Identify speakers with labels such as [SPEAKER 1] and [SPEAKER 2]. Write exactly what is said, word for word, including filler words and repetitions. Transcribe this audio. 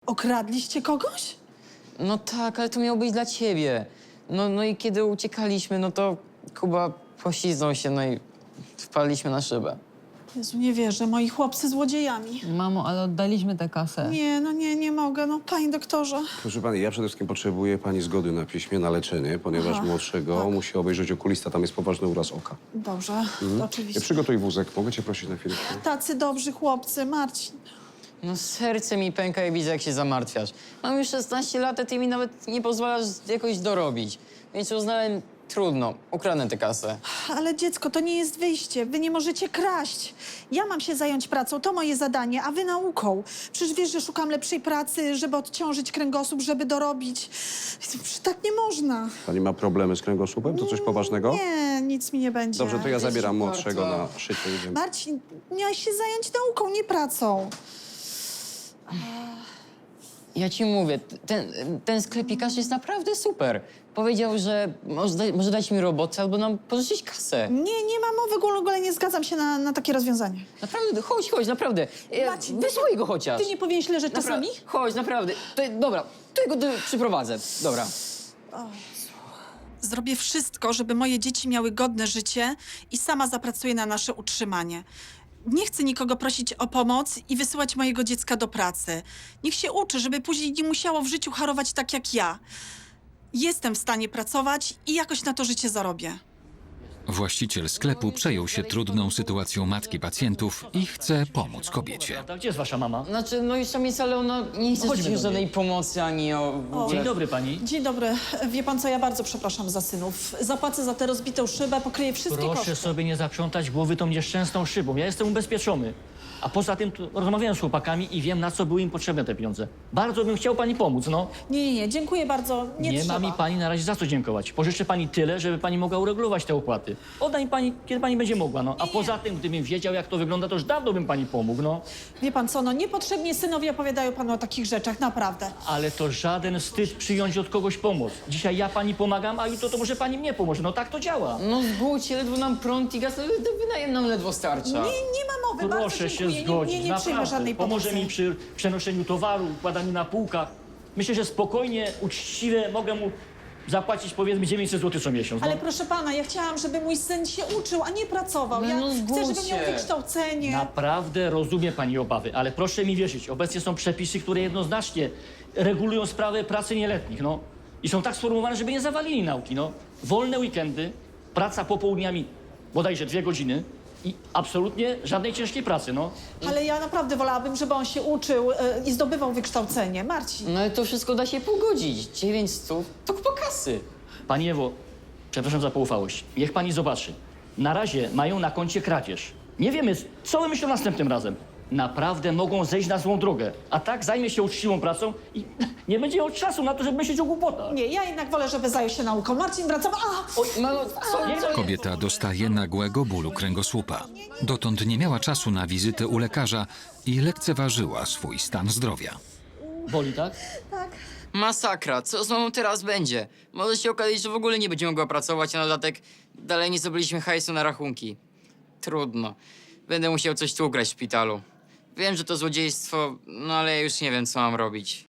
[SPEAKER 1] Okradliście kogoś?
[SPEAKER 2] No tak, ale to miało być dla ciebie. No, no i kiedy uciekaliśmy, no to Kuba pośliznął się, no i wpadliśmy na szybę.
[SPEAKER 1] Jezu, nie wierzę, moi chłopcy złodziejami.
[SPEAKER 3] Mamo, ale oddaliśmy tę kasę.
[SPEAKER 1] Nie, no nie, nie mogę, no panie doktorze.
[SPEAKER 4] Proszę pani, ja przede wszystkim potrzebuję pani zgody na piśmie na leczenie, ponieważ
[SPEAKER 1] Aha,
[SPEAKER 4] młodszego
[SPEAKER 1] tak.
[SPEAKER 4] musi obejrzeć okulista, tam jest poważny uraz oka.
[SPEAKER 1] Dobrze,
[SPEAKER 4] Ja
[SPEAKER 1] oczywiście.
[SPEAKER 4] przygotuj wózek, mogę cię prosić na chwilę?
[SPEAKER 1] Tacy dobrzy chłopcy, Marcin.
[SPEAKER 2] No serce mi pęka i widzę, jak się zamartwiasz. Mam już szesnaście lat, a ty mi nawet nie pozwalasz jakoś dorobić. Więc uznałem, trudno, ukradnę tę kasę.
[SPEAKER 1] Ale dziecko, to nie jest wyjście. Wy nie możecie kraść. Ja mam się zająć pracą, to moje zadanie, a wy nauką. Przecież wiesz, że szukam lepszej pracy, żeby odciążyć kręgosłup, żeby dorobić. Przecież tak nie można.
[SPEAKER 4] Pani ma problemy z kręgosłupem? To coś poważnego?
[SPEAKER 1] Nie, nic mi nie będzie.
[SPEAKER 4] Dobrze, to ja
[SPEAKER 2] Dzieci
[SPEAKER 4] zabieram
[SPEAKER 2] warto.
[SPEAKER 4] młodszego na szycie. Idziemy.
[SPEAKER 1] Marcin, miałeś się zająć nauką, nie pracą.
[SPEAKER 2] Ja ci mówię, ten, ten sklepikarz jest naprawdę super. Powiedział, że może, da, może dać mi robotę albo nam pożyczyć kasę.
[SPEAKER 1] Nie, nie ma mowy, w ogóle nie zgadzam się na, na takie rozwiązanie.
[SPEAKER 2] Naprawdę, chodź, chodź, naprawdę. E,
[SPEAKER 1] Maciej,
[SPEAKER 2] Wysłuchaj go chociaż.
[SPEAKER 1] Ty nie powinieneś leżeć
[SPEAKER 2] Napra-
[SPEAKER 1] czasami?
[SPEAKER 2] Chodź, naprawdę. To, dobra, to ja go tu przyprowadzę. Dobra.
[SPEAKER 1] Zrobię wszystko, żeby moje dzieci miały godne życie i sama zapracuję na nasze utrzymanie. Nie chcę nikogo prosić o pomoc i wysyłać mojego dziecka do pracy. Niech się uczy, żeby później nie musiało w życiu harować tak jak ja. Jestem w stanie pracować i jakoś na to życie zarobię.
[SPEAKER 5] Właściciel sklepu przejął się trudną sytuacją matki pacjentów i chce pomóc kobiecie.
[SPEAKER 6] Prawda? Gdzie jest wasza mama?
[SPEAKER 2] Znaczy, no już tam jest, ale ona nie chce
[SPEAKER 6] chodźmy
[SPEAKER 2] ci
[SPEAKER 6] do
[SPEAKER 2] żadnej
[SPEAKER 6] niej.
[SPEAKER 2] pomocy ani o... w ogóle.
[SPEAKER 6] Dzień dobry pani.
[SPEAKER 1] Dzień dobry. Wie pan co, ja bardzo przepraszam za synów. Zapłacę za tę rozbitą szybę, pokryję wszystkie
[SPEAKER 6] Proszę
[SPEAKER 1] koszty.
[SPEAKER 6] sobie nie zaprzątać głowy tą nieszczęsną szybą. Ja jestem ubezpieczony. A poza tym tu rozmawiałem z chłopakami i wiem, na co były im potrzebne te pieniądze. Bardzo bym chciał pani pomóc, no.
[SPEAKER 1] Nie, nie, nie, dziękuję bardzo. Nie,
[SPEAKER 6] Nie
[SPEAKER 1] trzeba.
[SPEAKER 6] ma mi pani na razie za co dziękować. Pożyczę pani tyle, żeby pani mogła uregulować te opłaty. Odda mi pani, kiedy pani będzie mogła, no. A
[SPEAKER 1] Nie.
[SPEAKER 6] poza tym, gdybym wiedział, jak to wygląda, to już dawno bym pani pomógł, no.
[SPEAKER 1] Wie pan co, no niepotrzebnie synowie opowiadają panu o takich rzeczach, naprawdę.
[SPEAKER 6] Ale to żaden wstyd przyjąć od kogoś pomoc. Dzisiaj ja pani pomagam, a jutro to może pani mnie pomoże. No tak to działa.
[SPEAKER 2] No zgódź się, ledwo nam prąd i gaz, to wynajem nam ledwo starcza.
[SPEAKER 1] Nie, nie ma mowy, bardzo
[SPEAKER 6] Proszę się
[SPEAKER 1] dziękuję.
[SPEAKER 6] zgodzić,
[SPEAKER 1] nie, nie, nie przyjmę
[SPEAKER 6] naprawdę.
[SPEAKER 1] żadnej pomocy.
[SPEAKER 6] Pomoże mi przy przenoszeniu towaru, układaniu na półkach. Myślę, że spokojnie, uczciwie mogę mu zapłacić powiedzmy dziewięćset złotych co miesiąc.
[SPEAKER 1] Ale
[SPEAKER 6] No.
[SPEAKER 1] proszę pana, ja chciałam, żeby mój syn się uczył, a nie pracował.
[SPEAKER 2] No,
[SPEAKER 1] Ja
[SPEAKER 2] no
[SPEAKER 1] chcę,
[SPEAKER 2] zgódź
[SPEAKER 1] żeby miał
[SPEAKER 2] się.
[SPEAKER 1] wykształcenie.
[SPEAKER 6] Naprawdę rozumie pani obawy, ale proszę mi wierzyć, obecnie są przepisy, które jednoznacznie regulują sprawę pracy nieletnich, no. I są tak sformułowane, żeby nie zawalili nauki, no. Wolne weekendy, praca popołudniami bodajże dwie godziny i absolutnie żadnej ciężkiej pracy, no.
[SPEAKER 1] Ale ja naprawdę wolałabym, żeby on się uczył e, i zdobywał wykształcenie. Marcin.
[SPEAKER 2] No ale to wszystko da się pogodzić. dziewięć stów to kupa kasy.
[SPEAKER 6] Pani Ewo, przepraszam za poufałość. Niech pani zobaczy. Na razie mają na koncie kradzież. Nie wiemy, co wymyślą następnym razem. Naprawdę mogą zejść na złą drogę. A tak zajmie się uczciwą pracą i nie będzie miał czasu na to, żeby myśleć o głupotach.
[SPEAKER 1] Nie, ja jednak wolę, żeby zajął się nauką. Marcin, wracam. A!
[SPEAKER 2] Oj, mamo, co?
[SPEAKER 6] Nie, no,
[SPEAKER 5] Kobieta dostaje nagłego bólu kręgosłupa. Dotąd nie miała czasu na wizytę u lekarza i lekceważyła swój stan zdrowia.
[SPEAKER 6] boli, tak?
[SPEAKER 2] Masakra, co z mamą teraz będzie? Może się okazać, że w ogóle nie będzie mogła pracować, a na dodatek dalej nie zdobyliśmy hajsu na rachunki. Trudno. Będę musiał coś tu ugrać w szpitalu. Wiem, że to złodziejstwo, no ale ja już nie wiem, co mam robić.